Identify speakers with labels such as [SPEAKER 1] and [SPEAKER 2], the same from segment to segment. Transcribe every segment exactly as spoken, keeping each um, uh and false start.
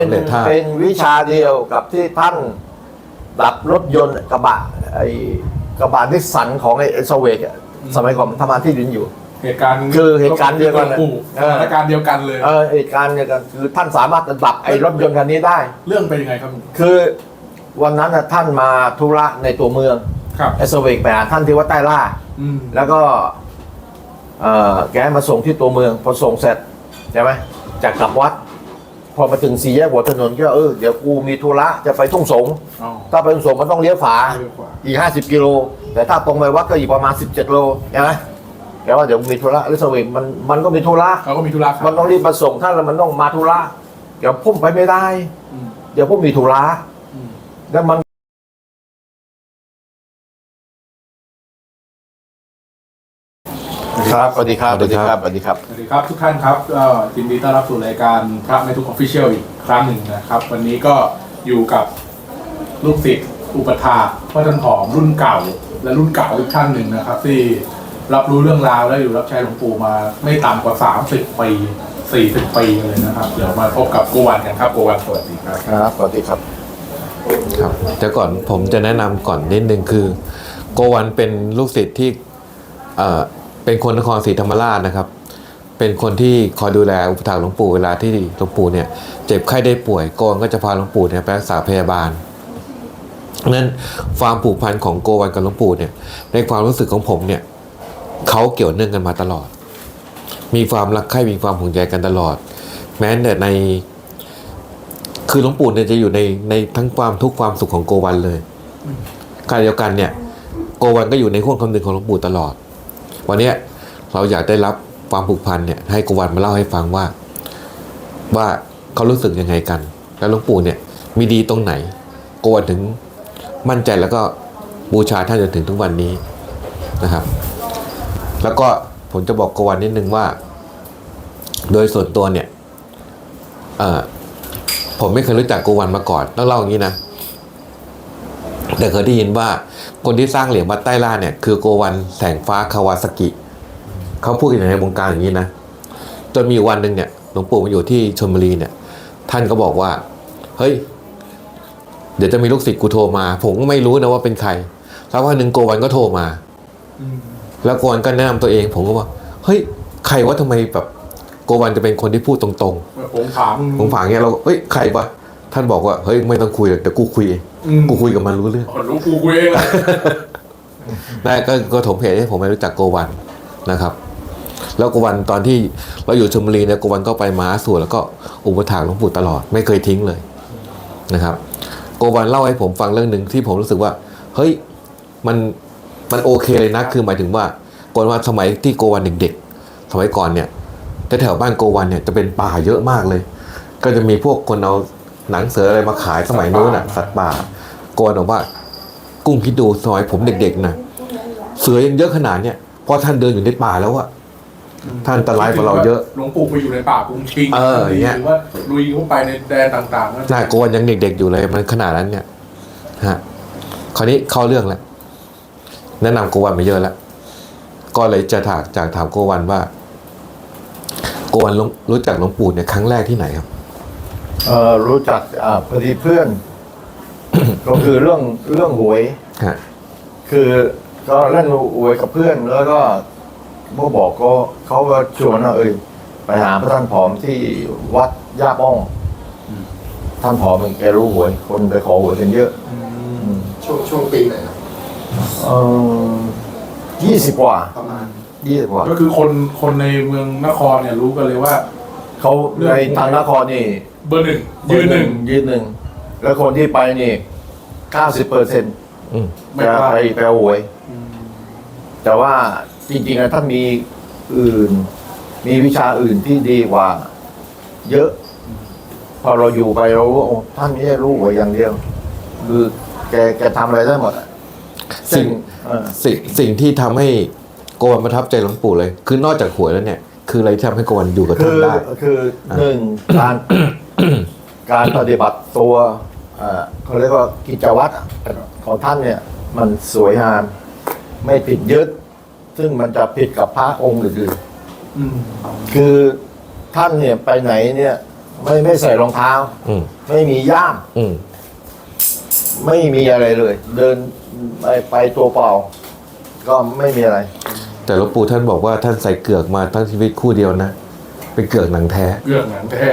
[SPEAKER 1] เป็นเป็นวิชาเดียวกับที่ท่านดับรถยนต์กระบะไอ้กระบะนิสสันของไอ้เอสเวกสมัยก่อนทำงานที่ดินอยู่
[SPEAKER 2] เหตุการณ์
[SPEAKER 1] คือเหตุการณ์เดียวกัน
[SPEAKER 2] สถานการณ์เดียวกันเลย
[SPEAKER 1] เออเหตุการณ์เดียวกันคือท่านสามารถดับไอ้รถยนต์คันนี้ได้
[SPEAKER 2] เรื่องเป็นยังไงครับ
[SPEAKER 1] คือวันนั้นท่านมาธุระในตัวเมืองเอสเวกไปหาท่านที่วัดใต้ล่าแล้วก็เออแกมาส่งที่ตัวเมืองพอส่งเสร็จใช่ไหมจากกลับวัดพอมาถึงสี่แยกหัวถนนก็เออเดี๋ยวกูมีธุระจะไปทุ่งสงถ้าไปทุ่งสงมันต้องเลี้ยวขวาอีกห้าสิบกิโลแต่ถ้าตรงไปวัดก็อีกประมาณสิบเจ็ดโลใช่ไหมแกว่าเดี๋ยวมีธุระแล้วสวิงมันมันก็มีธุระ
[SPEAKER 2] เขาก็มีธุระ
[SPEAKER 1] มันต้องรีบมาส่งท่านแล้วมันต้องมาธุระเดี๋ยวพุ่มไปไม่ได้เดี๋ยวพุ่มมีธุระแล้วมันครับสวัสดีครับสวัสดีครับสวัสดีครับ
[SPEAKER 2] สวัสดีครับทุกท่านครับก็ยินดีต้อนรับสู่รายการพระในทุกออฟฟิเชียลอีกครั้งหนึ่งนะครับวันนี้ก็อยู่กับลูกศิษย์อุปถาพ่อท่านผอมรุ่นเก่าและรุ่นเก่าอีกท่านหนึ่งนะครับที่รับรู้เรื่องราวและอยู่รับใช้หลวงปู่มาไม่ต่ำกว่าสามสิบปีสี่สิบปีเลยนะครับเดี๋ยวมาพบกับโกวันกันครับโกวันสวัสดีครับ
[SPEAKER 1] ครับสวัสดีครับ
[SPEAKER 3] ครับแต่ก่อนผมจะแนะนำก่อนนิดนึงคือโกวันเป็นลูกศิษย์ที่เอ่อเป็นคนนครศรีธรรมราชนะครับเป็นคนที่คอยดูแลอุปถัมภ์หลวงปู่เวลาที่หลวงปู่เนี่ยเจ็บไข้ได้ป่วยโกวันก็จะพาหลวงปู่เนี่ยไปรักษาพยาบาลนั้นความผูกพันของโกวันกับหลวงปู่เนี่ยในความรู้สึกของผมเนี่ยเขาเกี่ยวเนื่องกันมาตลอดมีความรักใคร่มีความห่วงใยกันตลอดแม้แต่ในคือหลวงปู่เนี่ยจะอยู่ในในทั้งความทุกข์ความสุขของโกวันเลยการเดียวกันเนี่ยโกวันก็อยู่ในห่วงคำนึงของหลวงปู่ตลอดวันนี้เราอยากได้รับความผูกพันเนี่ยให้โกวันมาเล่าให้ฟังว่าว่าเขารู้สึกยังไงกันแล้วหลวงปู่เนี่ยมีดีตรงไหนโกวันถึงมั่นใจแล้วก็บูชาท่านจนถึงทุกวันนี้นะครับแล้วก็ผมจะบอกโกวันนิดนึงว่าโดยส่วนตัวเนี่ยเอ่อผมไม่เคยรู้จักโกวันมาก่อนต้องเล่าอย่างนี้นะแต่เคยได้ยินว่าคนที่สร้างเหรียญวัดใต้ล่าเนี่ยคือโกวันแสงฟ้าคาวาซากิเขาพูดกันในวงการอย่างนี้นะจนมีวันหนึ่งเนี่ยหลวงปู่มาอยู่ที่ชลบุรีเนี่ยท่านก็บอกว่าเฮ้ยเดี๋ยวจะมีลูกศิษย์กูโทรมาผมก็ไม่รู้นะว่าเป็นใครแล้ววันหนึ่งโกวันก็โทรมาแล้วโกวันก็แนะนำตัวเองผมก็ว่าเฮ้ยใครว่าทำไมแบบโกวันจะเป็นคนที่พูดตรง
[SPEAKER 2] ๆผมถาม
[SPEAKER 3] ผมถามเงี้ยเราเฮ้ยใครวะท่านบอกว่าเฮ้ยไม่ต้องคุยแต่กูคุยเองกูคุยกับมันรู้เรื่อง
[SPEAKER 2] รู้กูคุยเอง
[SPEAKER 3] ได้ก็ก็ถมเหตุให้ผมไม่รู้จักโกวันนะครับแล้วโกวันตอนที่เราอยู่ชลบุรีเนี่ยโกวันก็ไปมาสู่แล้วก็อุปถัมภ์หลวงปู่ตลอดไม่เคยทิ้งเลยนะครับโกวันเล่าให้ผมฟังเรื่องหนึ่งที่ผมรู้สึกว่าเฮ้ยมันมันโอเคเลยนะคือหมายถึงว่าโกวันว่าสมัยที่โกวันเด็กๆสมัยก่อนเนี่ยแถวบ้านโกวันเนี่ยจะเป็นป่าเยอะมากเลยก็จะมีพวกคนเอาหนังเสืออะไรมาขายสมัยนู้นน่ะสัตว์ป่าโกวันบอกว่ากุ้งคิดดูสมัยผมเด็กๆนะเสือยังเยอะขนาดเนี้ยพอท่านเดินอยู่ในป่าแล้วอะท่านอันตรายกว่าเราเยอะ
[SPEAKER 2] หลวงปู่ไปอยู่ในป่ากรุงชิง
[SPEAKER 3] เอออย่างเงี้ย
[SPEAKER 2] หรือว่าลุยเข้าไปในแดนต่างๆ
[SPEAKER 3] น่าโกวันยังเด็กๆอยู่เลยมันขนาดนั้นเนี่ยฮะคราวนี้เข้าเรื่องแล้วแนะนำโกวันมาเยอะแล้วก็เลยจะถามจากถามโกวันว่าโกวันรู้จักหลวงปู่เนี่ยครั้งแรกที่ไหนครับ
[SPEAKER 1] เออรู้จักอ่าพอดีเพื่อน ก็คือเรื่องเรื่องหวยคือก็เล่นหวยกับเพื่อนแล้วก็พวกบอกก็เขาก็ชวนว่าเอ้ยไปหาพระท่านผอมที่วัดย่าป้องท่านผอมแกรู้หวยคนไปขอหวยกันเยอะ
[SPEAKER 2] ช่วงช่วงปีไหนครับ
[SPEAKER 1] เออยี่สิบกว่า
[SPEAKER 2] ประมาณ
[SPEAKER 1] ยี่สิบกว่า
[SPEAKER 2] ก็คือคนคนในเมืองนครเนี่ยรู้กันเลยว่า
[SPEAKER 1] เขาในทางนครนี่
[SPEAKER 2] เบอร์หนึ่งยืนหนึ่ง
[SPEAKER 1] ยืนหนึ่งแล้วคนที่ไปนี่เก้าสิบเปอร์เซ็นต์จะไปไปหวยแต่ว่าจริงๆนะท่านมีอื่นมีวิชาอื่นที่ดีกว่าเยอะพอเราอยู่ไปเรารู้ว่าท่านไม่ได้รู้หวยอย่างเดียวคือแกแกทำอะไรได้หมด
[SPEAKER 3] สิ่งสิ่งสิ่งที่ทำให้โกวันประทับใจหลวงปู่เลยคือนอกจากหวยแล้วเนี่ยคืออะไรที่ทำให้โกวันอยู่กับท่านได้
[SPEAKER 1] คือหนึ่งการการปฏิบัติตัวเขาเรียกว่ากิจวัตรของท่านเนี่ยมันสวยงามไม่ผิดยึดซึ่งมันจะผิดกับพระองค์อื่นๆคือท่านเนี่ยไปไหนเนี่ยไม่ไม่ใส่รองเท้า
[SPEAKER 3] อืม
[SPEAKER 1] ไม่มีย่าม
[SPEAKER 3] อืม
[SPEAKER 1] ไม่มีอะไรเลย เดินไปไปตัวเปล่า ก็ไม่มีอะไร
[SPEAKER 3] แต่หลวงปู่ท่านบอกว่าท่านใส่เกือกมาทั้งชีวิตคู่เดียวนะ เป็นเกือกหนังแท้
[SPEAKER 2] เรื่องหนังแท้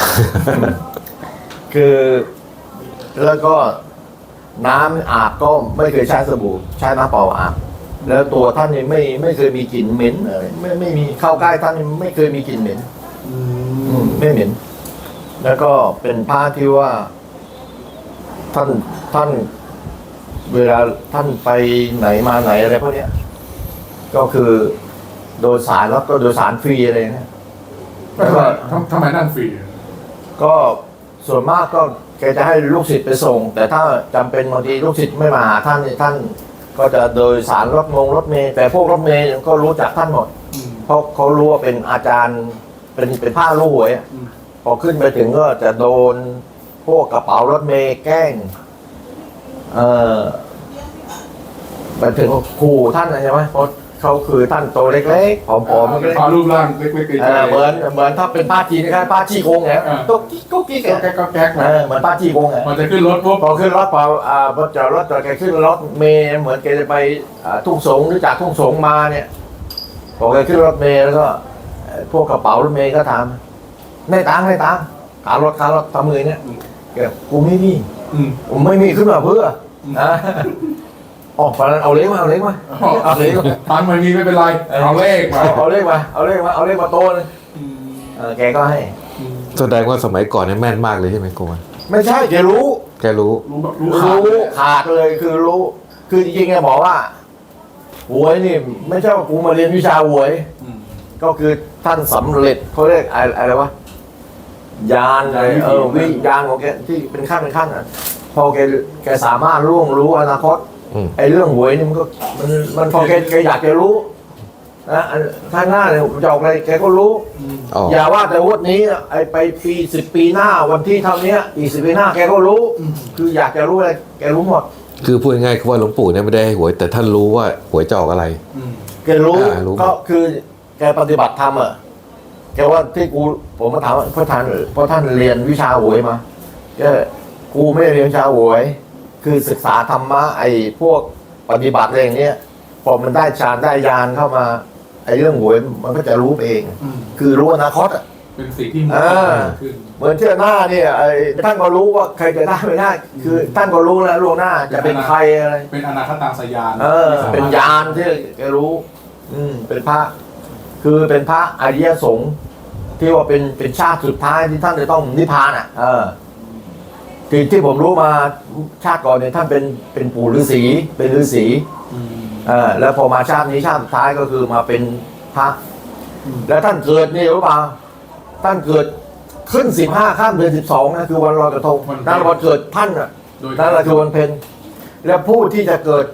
[SPEAKER 1] คือแล้วก็น้ำอาบก็ไม่เคยใช้สบู่ใช้น้ำเปล่าอาบแล้วตัวท่านนี่ไม่ไม่เคยมีกลิ่นเหม็นอะไรไม่ไม่มีเข้าใกล้ท่านนี่ไม่เคยมีกลิ่นเหม็น
[SPEAKER 2] อื
[SPEAKER 1] อื
[SPEAKER 2] ม
[SPEAKER 1] มไม่เหม็น แล้วก็เป็นผ้าที่ว่า ท่านท่าน เวลาท่านไปไหนมาไหนอะไรพวกเนี้ย ก็คือโดยสารแล้วก็โดยสารฟรีอะไรเนี่ย
[SPEAKER 2] ทำไมทำไมนั่งฟรี
[SPEAKER 1] ก็ส่วนมากก็แกจะให้ลูกศิษย์ไปส่ง แต่ถ้าจำเป็นบางทีลูกศิษย์ไม่มาหาท่านนี่ท่าน ก็จะโดยสารรถมงรถเมล์แต่พวกรถเมล์ก็รู้จักท่านหมด
[SPEAKER 2] อืม
[SPEAKER 1] เพราะเขารู้ว่าเป็นอาจารย์เป็นเป็นผ้าลูกหวยอะ
[SPEAKER 2] อืม
[SPEAKER 1] พอขึ้นไปถึงก็จะโดนพวกกระเป๋ารถเมล์แกล้ง เออไปถึงก็ขู่ท่านนะใช่ไหมเพราะเขาคือท่านโตเล็กๆผอมๆ
[SPEAKER 2] เป็
[SPEAKER 1] เล็
[SPEAKER 2] น
[SPEAKER 1] ก
[SPEAKER 2] พอรูปร่างเล็กๆ
[SPEAKER 1] ๆเออเหมือนเหมือนถ้าเป็นป้าจีนนะครับป้าจี้โกงไง
[SPEAKER 2] อ่า
[SPEAKER 1] ก็กิ๊กก็กิ๊ก
[SPEAKER 2] ก็
[SPEAKER 1] อะ
[SPEAKER 2] แก๊กก็แก๊ก
[SPEAKER 1] เออเหมือนป้าจี้โกงไง
[SPEAKER 2] มันจะขึ้นรถปุ๊บ
[SPEAKER 1] พอขึ้นรถพออ่าพอจอดรถจอดแกขึ้นรถเมล์เหมือนแกจะไปอ่าทุ่งสงหรือจากทุ่งสงมาเนี่ยพอแกขึ้นรถเมล์แล้วก็เอ่อพวกกระเป๋ารถเมล์ก็ถามในตังค์ในตังค์ขารถขารถทำมือเนี่ยแกกูไม่มี
[SPEAKER 2] อืม
[SPEAKER 1] ผมไม่มีขึ้นมาเพื่อนะอ๋อตอนนั้นเอาเล็กมาเอาเล็กมาเอาเล็กมา
[SPEAKER 2] ตังค์ไม่มีไม่เป็นไรเอาเลขมา
[SPEAKER 1] เอาเอาเลขมาเอาเลขมาเอาเลขมาโตเลย
[SPEAKER 2] อืม
[SPEAKER 1] เออแกก็ให้
[SPEAKER 2] อืม
[SPEAKER 3] แสดงว่าสมัยก่อนเนี่ยแม่นมากเลยใช่ไหมโกวัน
[SPEAKER 1] ไม่ใช่แกรู้
[SPEAKER 3] แกรู้
[SPEAKER 2] รู้แบบรู้ขาด
[SPEAKER 1] รู้ขาดเลยคือรู้ คือจริงๆแกบอกว่าหวยนี่ ไม่ใช่ว่ากูมาเรียนวิชาหวย
[SPEAKER 2] อืม
[SPEAKER 1] ก็คือท่านสำเร็จเขาเรียกอะไรอะไรวะยานอะไรเออวิญญาณของแกที่เป็นขั้นเป็นขั้นอ่ะพอแกแกสามารถล่วงรู้อนาคต
[SPEAKER 3] อืม
[SPEAKER 1] ไอ้เรื่องหวยนี่มันก็มันมันพอแกแกอยากจะรู้นะอันข้างหน้าเนี่ยผมจะออกอะไรแกก็รู้
[SPEAKER 2] อืม
[SPEAKER 3] อ๋อ
[SPEAKER 1] อย่าว่าแต่วันนี้นะไอ้ไปปีสิบปีหน้าวันที่เท่านี้อีกสิบปีหน้าแกก็รู้
[SPEAKER 2] อืม
[SPEAKER 1] คืออยากจะรู้อะไรแกรู้หมด
[SPEAKER 3] คือพูดง่ายๆคือว่าหลวงปู่เนี่ยไม่ได้ให้หวย แต่ท่านรู้ว่าหวยจะออกอะไร
[SPEAKER 2] อืม
[SPEAKER 1] แกรู้
[SPEAKER 3] อ่ารู้หมด
[SPEAKER 1] ก็คือแกปฏิบัติธรรมอ่ะแกว่าที่กูผมมาถามว่าเพราะท่านเพราะท่านเรียนวิชาหวยมาแกกูไม่ได้เรียนวิชาหวย คือศึกษาธรรมะไอ้พวกปฏิบัติอะไรอย่างเนี้ยพอมันได้ฌานได้ญาณเข้ามาไอ้เรื่องหวยมันก็จะรู้เอง
[SPEAKER 2] อืม
[SPEAKER 1] คือรู้อนาคตอ่ะ
[SPEAKER 2] เป็นสิ่งที่มัน
[SPEAKER 1] อ่า
[SPEAKER 2] ขึ้น
[SPEAKER 1] เหมือนเที่ยวหน้าเนี่ยไอ้ท่านก็รู้ว่าใครจะได้ไม่ได้ คือท่านก็รู้แล้วล่วงหน้าจะเป็นใครอะไร
[SPEAKER 2] เป็นอนาคตังสยาน
[SPEAKER 1] เออ เป็นยานที่แกรู้ อืมเป็นพระ คือเป็นพระอริยสงฆ์ที่ว่าเป็นเป็นชาติสุดท้ายที่ท่านจะต้องนิพพานอ่ะ เออที่ที่ผมรู้มาชาติก่อนเนี่ยท่านเป็นเป็นปู่ฤาษีเป็นฤาษี
[SPEAKER 2] อืม
[SPEAKER 1] เออแล้วพอมาชาตินี้ชาติสุดท้ายก็คือมาเป็นพระ
[SPEAKER 2] อืม
[SPEAKER 1] แล้วท่านเกิดนี่รู้เปล่าท่านเกิดขึ้นสิบห้าข้ามเดือนสิบสองนะคือวันลอยกระทงนั่นวันเกิดท่านอ่ะ
[SPEAKER 2] โดย
[SPEAKER 1] นั่นแหละคือวันเพ็ญและผู้ที่จะเกิด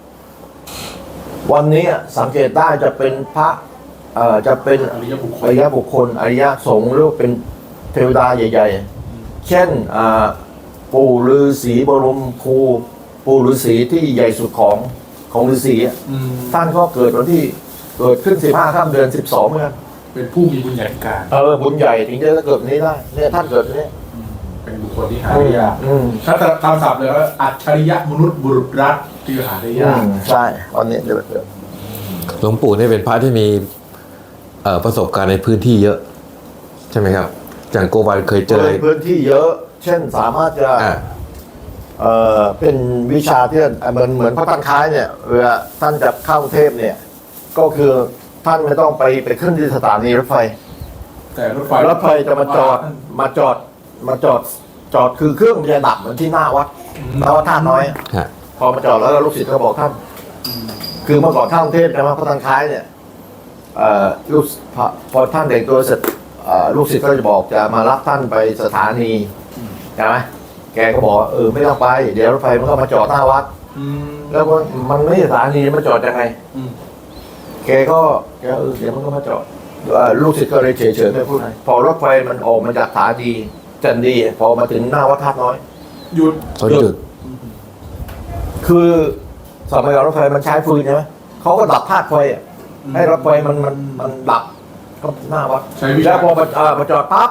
[SPEAKER 1] วันนี้อะสังเกตได้จะเป็นพระเอ่อจะเป็น
[SPEAKER 2] อริยบุคค
[SPEAKER 1] อ
[SPEAKER 2] ล
[SPEAKER 1] ริยบุคคลอริยสงฆ์หรือว่าเป็นเทวดาใหญ่ ๆ เช่นอ่าปู่ฤาษีบรมครูปู่ฤาษีที่ใหญ่สุดของของฤาษีอะ
[SPEAKER 2] อืม
[SPEAKER 1] ท่านก็เกิดวันที่เกิดขึ้นสิบห้าข้ามเดือนสิบสองเหมือนกัน
[SPEAKER 2] เป็นผู้มีบุญใหญ่การ
[SPEAKER 1] เออบุญใหญ่ถึงจะเกิดนี้ได้เนี่ยท่านเกิดนี้
[SPEAKER 2] อืมเป็นบุคคลที่หาได้ยาก
[SPEAKER 1] อืม
[SPEAKER 2] ถ้าตามศัพท์เลยว่าอัจฉริยะมนุษย์บุรุษรักที่หาได้
[SPEAKER 1] อื
[SPEAKER 2] ยาก
[SPEAKER 1] มใช่ตอนนี้เดี๋ยวเดี๋ยว
[SPEAKER 3] หลวงปู่เนี่ยเป็นพระที่มีเอ่อประสบการณ์ในพื้นที่เยอะ ใช่ไหมครับอย่างโกวันเคยเจอ
[SPEAKER 1] พื้นที่เยอะ เช่นสามารถจะ
[SPEAKER 3] อ่า
[SPEAKER 1] เอ่อเป็นวิชาที่เหมือนเหมือนพระท่านคล้ายเนี่ยเวลาท่านจะเข้ากรุงเทพเนี่ย ก็คือท่านไม่ต้องไปไปขึ้นที่สถานีรถไฟ
[SPEAKER 2] แต่รถไฟ
[SPEAKER 1] รถไฟจะมาจอดมาจอดมาจอดจอดคือเครื่องมันจะดับเหมือนที่หน้าวัดหน้าวัดท่าน้อย
[SPEAKER 3] ฮะ
[SPEAKER 1] พอมาจอดแล้วลูกศิษย์ก็บอกท่าน
[SPEAKER 2] อืม
[SPEAKER 1] คือเมื่อก่อนเข้ากรุงเทพนะพระท่านคล้ายเนี่ยเอ่อลูกพอพอท่านแต่งตัวเสร็จเอ่อลูกศิษย์ก็จะบอกจะมารับท่านไปสถานีใช่ไหมแกก็บอกว่าเออไม่ต้องไปเดี๋ยวรถไฟมันก็มาจอดหน้าวัด
[SPEAKER 2] อืม
[SPEAKER 1] แล้วมันมันไม่ใช่สถานีมันจอดยังไง
[SPEAKER 2] อืม
[SPEAKER 1] แกก็แกเออเดี๋ยวมันก็มาจอดเอ่อลูกศิษย์ก็เลยเฉยๆไม่พูดอะไรพอรถไฟมันออกมาจากสถานีจันดี พอมาถึงหน้าวัดท่าน้อย
[SPEAKER 2] หยุด
[SPEAKER 3] เขาจุด
[SPEAKER 1] คือสมัยก่อนรถไฟมันใช้ฟืนใช่ไหมเขาก็ดับธาตุไฟอะให้รถไฟมันมันมันดับก็หน้าวัด
[SPEAKER 2] ใช้วิชา
[SPEAKER 1] แล้วพอมาเอ่อมาจอดปั๊บ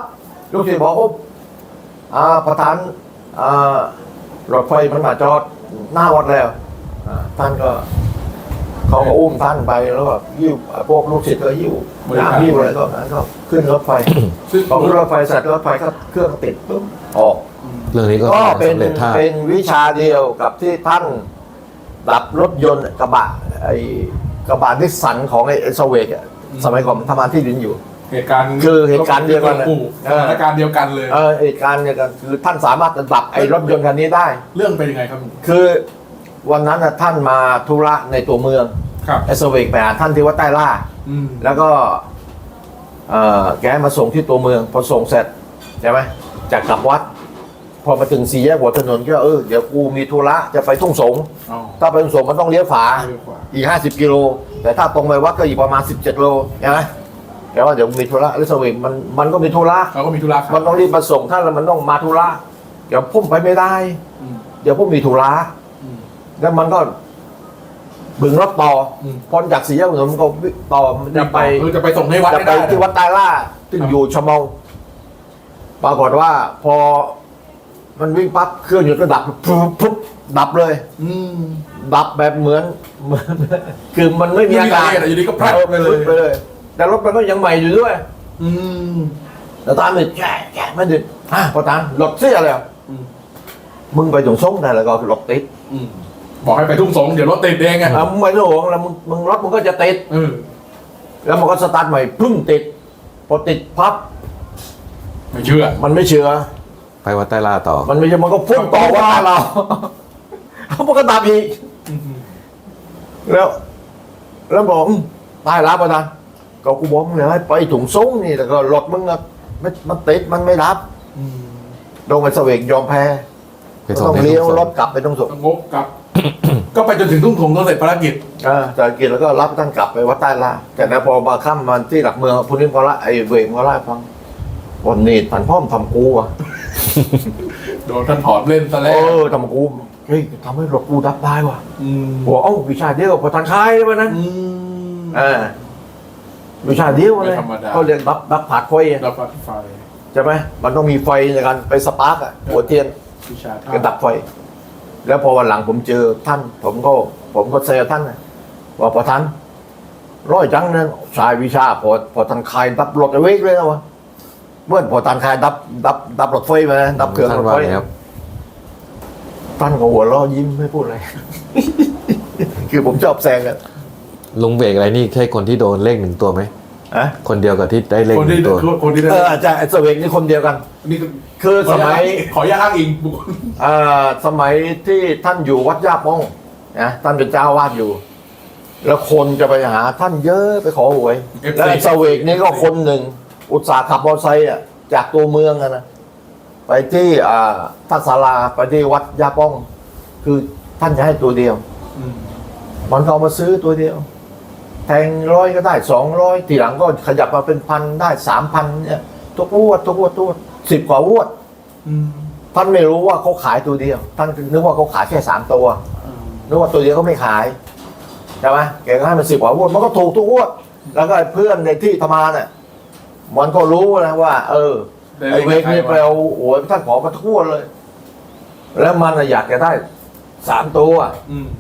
[SPEAKER 1] ลูกศิษย์บอกโอ้อ่าประธานอ่ารถไฟมันมาจอดหน้าวัดแล้วอ่าท่านก็เขาก็อุ้มท่านไปแล้วก็ยิ้วพวกลูกศิษย์ก็ยิ้วน้ำยิ้วอะไรก็นั้นก็ขึ้นรถไฟ
[SPEAKER 2] ซึ่ง
[SPEAKER 1] พอขึ้นรถไฟเสร็จรถไฟก็เครื่องติดปุ๊บออก
[SPEAKER 3] เรื่องนี้ก็
[SPEAKER 1] ก็เป็น
[SPEAKER 3] สำเร็จท่า
[SPEAKER 1] เป็นวิชาเดียวกับที่ท่านดับรถยนต์กระบะไอ้กระบะนิสสันของไอ้สเวกอะสมัยก่อนมันทำงานที่ดินอยู่
[SPEAKER 2] เหตุการณ์
[SPEAKER 1] คือเหตุการณ์เดียวกัน
[SPEAKER 2] ปู่สถานการณ์เดียวกันเลย
[SPEAKER 1] เออเหตุการณ์เนี่ยก็คือท่านสามารถจะดับไอ้รถยนต์คันนี้ได้
[SPEAKER 2] เรื่องเป็นยังไงครับ
[SPEAKER 1] คือวันนั้นน่ะท่านมาธุระในตัวเมือง
[SPEAKER 2] ครับ
[SPEAKER 1] ไอ้สเวกไปหาท่านที่วัดใต้ล่า
[SPEAKER 2] อืม
[SPEAKER 1] แล้วก็เอ่อแกให้มาส่งที่ตัวเมือง พอส่งเสร็จใช่ไหมจากกลับวัด พอมาถึงสี่แยกหัวถนนก็เออเดี๋ยวกูมีธุระจะไปทุ่งสง
[SPEAKER 2] อ๋อ
[SPEAKER 1] ถ้าไปทุ่งสงมันต้องเลี้ยวฝา
[SPEAKER 2] เร็วกว่า
[SPEAKER 1] อีกห้าสิบกิโลแต่ถ้าตรงไปวัดก็อีกประมาณสิบเจ็ดโลใช่ไหมแต่ว่าเดี๋ยวมีธุระแล้วสเวกมันมันก็มีธุระ
[SPEAKER 2] เขาก็มีธุระครับ
[SPEAKER 1] มันต้องรีบมาส่งท่านแล้วมันต้องมาธุระเดี๋ยวพุ่มไปไม่ได้
[SPEAKER 2] อืม
[SPEAKER 1] เดี๋ยวพุ่มมีธุระ
[SPEAKER 2] อืม
[SPEAKER 1] แล้วมันก็บึงรถต่ออ
[SPEAKER 2] ม
[SPEAKER 1] พ้นจากสี่แยกหัวถนนมันก็วิ่งต่อมันจะไป
[SPEAKER 2] เออจะไปส่งให้วัด
[SPEAKER 1] จะ
[SPEAKER 2] ให้
[SPEAKER 1] ไป
[SPEAKER 2] ได้
[SPEAKER 1] ที่วัดใต้ล่าซึ่งอยู่ชะเมาปรากฏว่าพอมันวิ่งปั๊บเครื่องหยุดก็ดับปุ๊บปุ๊บดับเลย
[SPEAKER 2] อืม
[SPEAKER 1] ดับแบบเหมือนเหมือนคือมันไม่มีอาการ
[SPEAKER 2] ไม่มีอะไรอยู่ดีก็พลัดไปเลย
[SPEAKER 1] ไปเลย แต่รถมันก็ยังใหม่อยู่ด้วย
[SPEAKER 2] อืม
[SPEAKER 1] แต่ตามไปแก่แก่ไม่ดึกอ่ะพอตามรถเสียเลย
[SPEAKER 2] อืม
[SPEAKER 1] มึงไปถึงส่งได้แล้วก็รถติด
[SPEAKER 2] อืมบอกให้ไปทุ่งสงเดี๋ยวรถติดเองไง
[SPEAKER 1] อ่ะมึงไม่ต้องห่วงแล้วมึงมึงรถมึงก็จะติด
[SPEAKER 2] เออ
[SPEAKER 1] แล้วมันก็สตาร์ทใหม่พึ่งติด พอติดพับ
[SPEAKER 2] ไม่เชื่อ
[SPEAKER 1] มันไม่เชื่อ
[SPEAKER 3] ไปวัดใต้ล่าต่อ
[SPEAKER 1] มันไม่ใช่มันก็พุ่งต่อว่าเรา เขามันก็ดับอีก
[SPEAKER 2] อืม
[SPEAKER 1] แล้ว แล้วบอกอืมตายแล้วปะนะก็กูบอกมึงเลยให้ไปถุงซุ้งนี่แต่ก็รถมึงอะไม่มันติดมันไม่รับ
[SPEAKER 2] อืม
[SPEAKER 1] ลงไปเสวกยอมแพ้
[SPEAKER 3] ไป
[SPEAKER 1] ก็
[SPEAKER 3] ส่ง
[SPEAKER 1] ต้อง
[SPEAKER 3] ใน
[SPEAKER 1] เลี้ยว
[SPEAKER 3] ทุ่งสง
[SPEAKER 1] รถกลับไปตรงสุก
[SPEAKER 2] งบกลับ ก็ไปจนถึงทุ่งสงต้องเสร็จภารกิจ
[SPEAKER 1] อ่าจากกินแล้วก็รับท่านกลับไปวัดใต้ล่าแต่แล้วพอมาค่ำมันที่หลักเมืองพุนิมพระไอ้เวงพระไล่าให้ฟังวันนี้ผันพ่อมทำกูอ่ะ
[SPEAKER 2] โดนท่านถอนเล่นซะ
[SPEAKER 1] เอ
[SPEAKER 2] แล้ว
[SPEAKER 1] อทำกูเฮ้ยทำให้รถกูดับได้ว่ะ
[SPEAKER 2] อืม
[SPEAKER 1] หัวเอ้าวิชาเดียวกับพอทันคายวันนั้น
[SPEAKER 2] อืม
[SPEAKER 1] อ่าวิชาเดียวเลย
[SPEAKER 2] ไม่ธรรมดา
[SPEAKER 1] เขาเรียนดับดับผาดไฟอะ
[SPEAKER 2] รับไฟ
[SPEAKER 1] ใช่ไหมมันต้องมีไฟในการไปสปาร์กอ่ะหัวเทียน
[SPEAKER 2] วิชาท่า
[SPEAKER 1] ก็ดับไฟ แล้วพอวันหลังผมเจอท่าน ผมก็ ผมก็เซลท่านนะว่าพอท่านร้อยจังนะชายวิชาพอพอท่านคายดับรถเอาไว้เลยนะวะเมื่อพอท่านคายดับดับดับรถไฟมานะดับเครื่อง
[SPEAKER 3] ท่าร น
[SPEAKER 1] ถ
[SPEAKER 3] ว่า
[SPEAKER 1] ไฟ
[SPEAKER 3] ไงครับ
[SPEAKER 1] ท่านก็หัวเราะยิ้มไม่พูดอะไร คือผมชอบแซงกัน
[SPEAKER 3] ลุงเบรกอะไรนี่ใช่คนที่โดนเลขหนึ่งตัวไหม
[SPEAKER 1] อะ
[SPEAKER 3] คนเดียวกับที่ได้เลข
[SPEAKER 2] คน
[SPEAKER 3] หนึ่
[SPEAKER 2] ที่
[SPEAKER 3] งตัว
[SPEAKER 2] คนที่ได้
[SPEAKER 1] เอออาจารย์ไอ้เสวกนี่คนเดียวกัน
[SPEAKER 2] นี่ก็
[SPEAKER 1] คือสมัย
[SPEAKER 2] ขออนุญาตอ้างอิงบุคคล
[SPEAKER 1] เอ่อสมัยที่ท่านอยู่วัดย่าป้องนะท่านเป็นเจ้าวาดอยู่ แล้วคนจะไปหาท่านเยอะไปขอหวย แล้วไอ้เสวกนี่ก็คนหนึ่ง อุตสาห์ขับมอเตอร์ไซค์อ่ะจากตัวเมืองอะนะไปที่อ่าทัศาลาไปที่วัดย่าป้อง คือท่านจะให้ตัวเดียว
[SPEAKER 2] อืม
[SPEAKER 1] มันก็เอามาซื้อตัวเดียว แทงร้อยก็ได้สองร้อยทีหลังก็ขยับมาเป็นพันได้สามพันเนี่ยทุกงวดทุกงวดทุกงวดสิบกว่างวด
[SPEAKER 2] อืม
[SPEAKER 1] ท่านไม่รู้ว่าเขาขายตัวเดียว ท่านนึกว่าเขาขายแค่สามตัว นึกว่าตัวเดียวเขาไม่ขายใช่ไหมแกก็ให้มันสิบกว่างวดมันก็ถูกทุกงวด แล้วก็ไอ้เพื่อนในที่ทำงานเนี่ยมันก็รู้นะว่า เออไอ้เวกนี่ไปเอาโอ้ยท่านขอมาทุกงวดเลย แล้วมันน่ะอยากจะได้สามตัว
[SPEAKER 2] อืม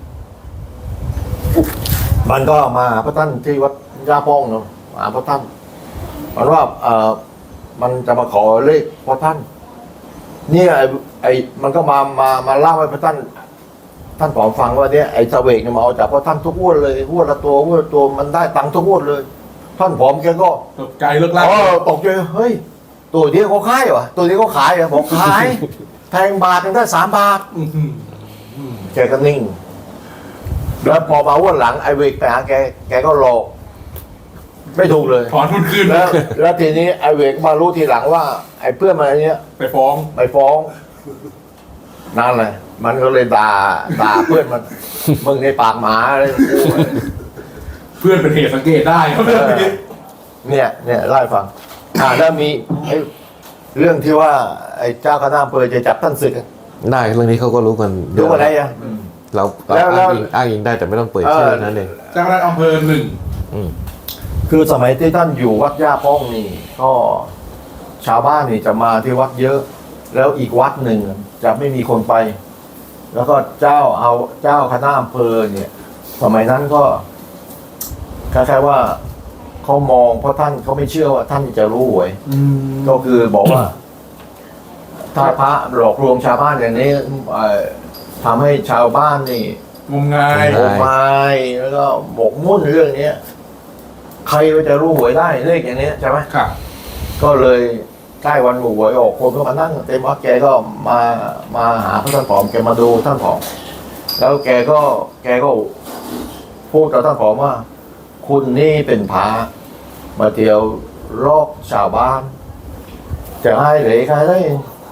[SPEAKER 1] มันก็มาหาพระท่านที่วัดย่าป้องเนาะมาหาพระท่านมันว่าเออมันจะมาขอเลขพระท่าน เนี่ยไอ้ไอ้มันก็มามามาเล่าให้พระท่าน ท่านผอมฟังว่าเนี่ยไอ้เสวกเนี่ยมาเอาจากพระท่านทุกงวดเลยงวดละตัวงวดละตัวมันได้ตังค์ทุกงวดเลย ท่านผอมแกก็
[SPEAKER 2] ตกใจเลิกลาก
[SPEAKER 1] อ๋อตกใจเฮ้ยตัวเดียวเขาขายเหรอตัวเดียวเขาขายเหรอบอกขาย แทงบาทยังได้สามบาท
[SPEAKER 2] อื้อหืออืม
[SPEAKER 1] แกก็นิ่ง แล้วพอมาวันหลังไอ้เวกไปหาแก แกก็หลอกไม่ถูกเลย
[SPEAKER 2] ถอนทุนคืน
[SPEAKER 1] แล้วแล้วทีนี้ไอ้เวกมารู้ทีหลังว่า ไอ้เพื่อนมันอันเนี้ย
[SPEAKER 2] ไปฟ้อง
[SPEAKER 1] ไปฟ้องนั่นเลยมันก็เลยด่าด่าเพื่อนมัน มึงในปากหมาอะไร
[SPEAKER 2] เพื่อนเป็นเหตุสังเกตได้ครับเรื่องนี้
[SPEAKER 1] เนี่ยเนี่ยเล่าให้ฟัง อ่าแล้วมีไอ้เรื่องที่ว่า ไอ้เจ้าคณะอำเภอจะจับท่านศึกอะ
[SPEAKER 3] ได้เรื่องนี้เขาก็รู้กันเย
[SPEAKER 1] รู้
[SPEAKER 3] อะ
[SPEAKER 1] อะไรอ่ะ
[SPEAKER 2] อืม
[SPEAKER 3] เราเรา
[SPEAKER 1] แล้วแล้ว
[SPEAKER 3] อ้างอิงอ้างอิงได้แต่ไม่ต้องเปิด
[SPEAKER 1] เออ
[SPEAKER 3] ชื่อนั้นเอง
[SPEAKER 2] เจ้าคณะอำเภอหนึ่ง
[SPEAKER 3] อืม
[SPEAKER 1] คือสมัยที่ท่านอยู่วัดย่าป้องนี่ ก็ชาวบ้านนี่จะมาที่วัดเยอะ แล้วอีกวัดหนึ่งจะไม่มีคนไป แล้วก็เจ้าเอาเจ้าคณะอำเภอเนี่ยสมัยนั้นก็คล้ายๆว่าเขามองเพราะท่านเขาไม่เชื่อว่าท่านจะรู้หวย
[SPEAKER 2] อืม
[SPEAKER 1] ก็คือบอกว่า ถ้าพระหลอกลวงชาวบ้านอย่างนี้เอ่อทำให้ชาวบ้านนี่
[SPEAKER 2] งมงาย
[SPEAKER 1] โมไม้แล้วก็หมกมุ่นเรื่องเนี้ยใครจะรู้หวยได้เลขอย่างเนี้ยใช่ไหม
[SPEAKER 2] ครับ
[SPEAKER 1] ก็เลยใกล้วันหวยออกคนก็มานั่งเต็มวัดแกก็มามาหาพระท่านผอมแกมาดูท่านผอมแล้วแกก็แกก็พูดกับท่านผอมว่า คุณนี่เป็นพระมาเที่ยวลอกชาวบ้าน จะให้เหลยใครได้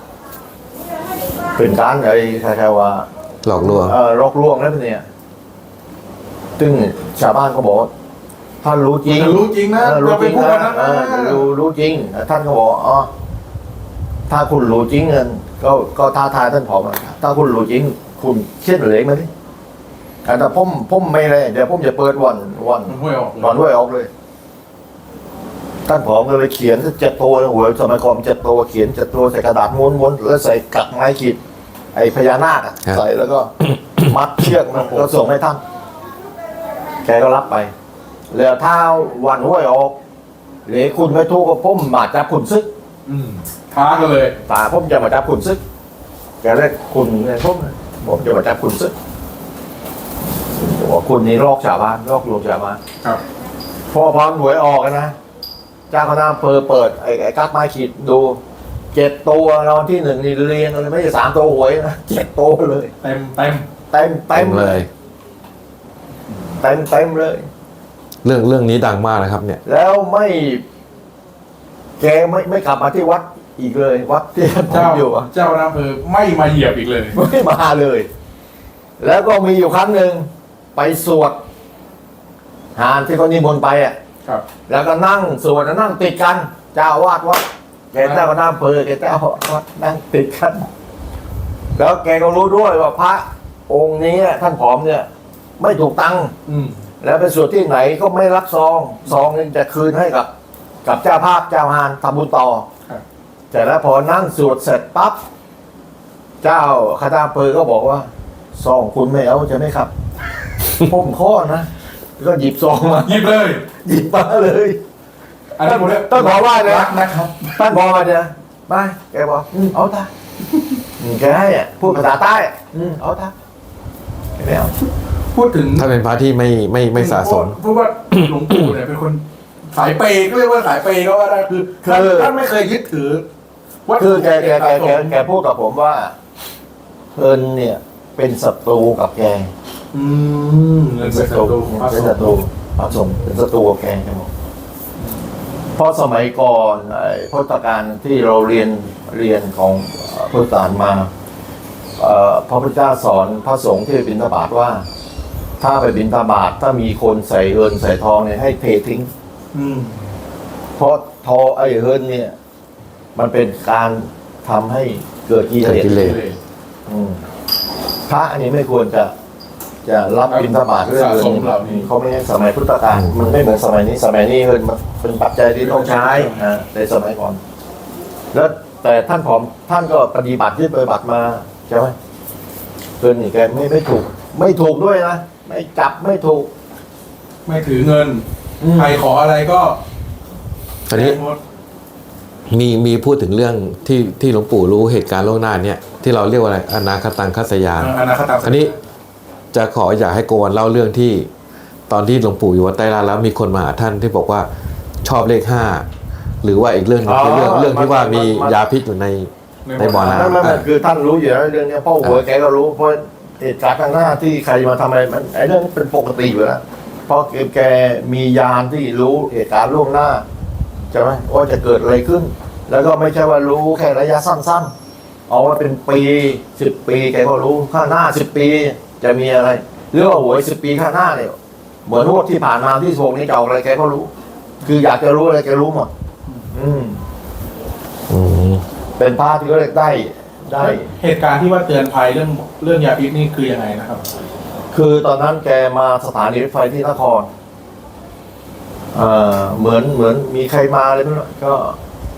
[SPEAKER 1] เป็นการอะไรใครๆว่า
[SPEAKER 3] หลอกลวง
[SPEAKER 1] เออลอกลวงแล้วเนี่ยซึ่งชาวบ้านก็บอกว่าท่านรู้จริง
[SPEAKER 2] แต่รู้จริงนะ
[SPEAKER 1] เออรู้
[SPEAKER 2] เรา
[SPEAKER 1] จ
[SPEAKER 2] ไป
[SPEAKER 1] ริง
[SPEAKER 2] พูด
[SPEAKER 1] นะ
[SPEAKER 2] กัน
[SPEAKER 1] เอ
[SPEAKER 2] นะ
[SPEAKER 1] อรู้รู้จริงท่านก็บอกอ๋อถ้าคุณรู้จริงเงินก็ก็ท้าทายท่านผอมอะถ้าคุณรู้จริง คุณเช็ดเหลยมาดิแต่ผมผมไม่เลยเดี๋ยวผมจะเปิดวันวัน
[SPEAKER 2] มันห้วยออกเลย
[SPEAKER 1] วันด้วยออกเลย ท่านผอมก็เลยเขียนเจ็ดตัวนะหัวสมัยก่อนเจ็ดตัวเขียนเจ็ดตัวใส่กระดาษม้วนๆแล้วใส่กักไม้ขีดไอ้พญานาคอะ
[SPEAKER 3] ครับ
[SPEAKER 1] ใส่แล้วก็ มัดเชือกมันก็ส่งให้ท่านแกก็รับไปแล้วถ้าวันห้วยออกหรือคุณไม่ถูกก็ผมมาจับคุณซึก
[SPEAKER 2] อืมท้ากันเลย
[SPEAKER 1] ตาผมจะมาจับคุณซึกแกเรียกคุณเนี่ยผมผมจะมาจับคุณซึกบอกคุณนี่ลอกชาวบ้านลอกลวงชาวบ้าน
[SPEAKER 2] ครับ
[SPEAKER 1] พอพรหวยออกอะนะเจ้าคณะอำเภอเปิดไอ้ไอ้กักไม้ขีดดูเจ็ดตัวรางวัลที่หนึ่งนี่เรียงเลยไม่ใช่สามตัวหวยนะเจ็ดตัวเลย
[SPEAKER 2] เต็มเต็ม
[SPEAKER 1] เต็มเต็มเลย เต็มเต็มเลย
[SPEAKER 3] เรื่องเรื่องนี้ดังมากนะครับ เนี่ย
[SPEAKER 1] แล้วไม่ แกไม่ไม่กลับมาที่วัดอีกเลย วัดที่ผม
[SPEAKER 2] เจ้า
[SPEAKER 1] อยู่อะ
[SPEAKER 2] เจ้าอำเภอไม่มาเหยียบอีกเลย
[SPEAKER 1] ไม่มาเลย แล้วก็มีอยู่ครั้งหนึ่งไปสวดหานที่เขานิมนต์ไปอ่ะ
[SPEAKER 2] ครับ
[SPEAKER 1] แล้วก็นั่งสวดแล้วนั่งติดกัน เจ้าอาวาดวัดแกเจ้าคณะอำเภอแกเจ้าอาวาดนั่งติดกัน แล้วแกก็รู้ด้วยว่าพระองค์นี้ท่านผอมเนี่ย ไม่ถูกตังค์
[SPEAKER 2] อืม
[SPEAKER 1] แล้วไปสวดที่ไหนก็ไม่รับซองซองนึงจะคืนให้กับ กับเจ้าภาพเจ้าฮานทำบุญต่อ
[SPEAKER 2] ครับ
[SPEAKER 1] แต่แล้วพอนั่งสวดเสร็จปั๊บเจ้าคณะอำเภอก็บอกว่าซองคุณไม่เอาใช่ไหมครับ ผมข้อนะก็หยิบซองมา
[SPEAKER 2] หยิบเลย
[SPEAKER 1] หยิบมาเลย
[SPEAKER 2] อันนี้ผมเรียก
[SPEAKER 1] ต้องขอว่าเลย
[SPEAKER 2] รักนะครับ
[SPEAKER 1] ท่านบอกมาเนี่ยไม่แกบอกอืมเอาท่าอืมแกให้อ่ะพูดภาษาใต้อ่ะอืมเอาท่าไม่เอา
[SPEAKER 2] พูดถึง
[SPEAKER 3] ถ้าเป็นพระที่ไม่ไม่ไม่สะสม
[SPEAKER 2] เพราะว่าหลวงปู่เนี่ยเป็นคนสายเปย์ก็เรียกว่าสายเปย์ก็ว่าได้คือท่านท่านไม่เคยยึดถือวัตถุ
[SPEAKER 1] คือแกแกแกแก
[SPEAKER 2] สะสม
[SPEAKER 1] แกพูดกับผมว่าเอิญเนี่ย เป็นศัตรูกับแก
[SPEAKER 2] อืมเงินเป็นศัตรูของพระ
[SPEAKER 1] เป็น
[SPEAKER 2] ส
[SPEAKER 1] ศั
[SPEAKER 2] ง
[SPEAKER 1] ตรู
[SPEAKER 2] ฆ์
[SPEAKER 1] พระสงฆ์เป็นศัตรูกับแกแกบอกเพราะสมัยก่อนไอ้พุทธกาลที่เราเรียนเรียนของเอ่อพุทธกาลมาเอ่อพระพุทธเจ้าสอนพระสงฆ์ที่ไปบิณฑบาตว่า ถ้าไปบิณฑบาตถ้ามีคนใส่เอิญใส่ทองเนี่ยให้เททิ้ง
[SPEAKER 2] อืม
[SPEAKER 1] เพราะทอไอ้เฮิร์นเนี่ย มันเป็นการทำให้เกิดกิเล
[SPEAKER 3] เกิดกิเล
[SPEAKER 1] ส
[SPEAKER 3] ส
[SPEAKER 1] อืมพระอันนี้ไม่ควรจะ จะรับบิณฑบาตเรื่อง
[SPEAKER 2] สะ
[SPEAKER 1] เงิ
[SPEAKER 2] สมเหล่านี้
[SPEAKER 1] นเขาไม่ใช่สมัยพุทธกาลมันไม่เหมือนสมัยนี้ สมัยนี้เฮิร์นมันเป็นปัจจัยที่ต้องใช้อ่าในสมัยก่อน แล้วแต่ท่านผอมท่านก็ปฏิบัติที่ปฏิบัติมาใช่ไหมเฮิร์นนี่แกไม่ไม่ถูก ไม่ถูกด้วยนะไม่จับไม่ถูก
[SPEAKER 2] ไม่ถือเงิน
[SPEAKER 1] อืม
[SPEAKER 2] ใครขออะไรก็
[SPEAKER 3] ตอนนี้
[SPEAKER 2] หมด
[SPEAKER 3] มีมีพูดถึงเรื่องที่ที่หลวงปู่รู้เหตุการณ์ล่วงหน้าเนี่ยที่เราเรียกว่าอะไรอนาคตังคัสยาน
[SPEAKER 2] อนาคตา
[SPEAKER 3] อันนี้จะขออยากให้โกวันเล่าเรื่องที่ ตอนที่หลวงปู่อยู่วัดใต้ลาดแล้วมีคนมาหาท่านที่บอกว่าชอบเลขห้าหรือว่าอีกเรื่องหนึงคือเรื่อง
[SPEAKER 1] อ๋อ
[SPEAKER 3] เรื่องที่ว่ามี
[SPEAKER 1] มัน
[SPEAKER 3] ยาพิษอยู่ใน ในบ่อน้
[SPEAKER 1] นั่นมันคือท่านรู้อยู่แล้วเรื่องเนี้ยพ่อหัวแกก็รู้เพราะเหตุการณ์ข้างหน้าที่ใครมาทำอะไรมันไอ้เรื่องนี้เป็นปกติอยู่แล้วเพราะแกมียานที่รู้เหตุการณ์ล่วงหน้าใช่ไหมว่าจะเกิดอะไรขึ้น แล้วก็ไม่ใช่ว่ารู้แค่ระยะสั้นๆเอาว่าเป็นปีสิบปีแกก็รู้ข้างหน้าสิบปีจะมีอะไรหรือว่าหวยสิบปีข้างหน้าเนี่ยเหมือนงวดที่ผ่านมาที่โศกนี้จะออกอะไรแกก็รู้ คืออยากจะรู้อะไรแกรู้หมดอืม
[SPEAKER 3] อืม
[SPEAKER 1] เป็นพระที่ก็เรียกได้ได้
[SPEAKER 2] เหตุการณ์ที่ว่าเตือนภัยเรื่องเรื่องยาพิษนี่คือยังไงนะครับ
[SPEAKER 1] คือตอนนั้นแกมาสถานีรถไฟที่นครเอ่อเหมือนเหมือนมีใครมาเลยไม่รู้ก็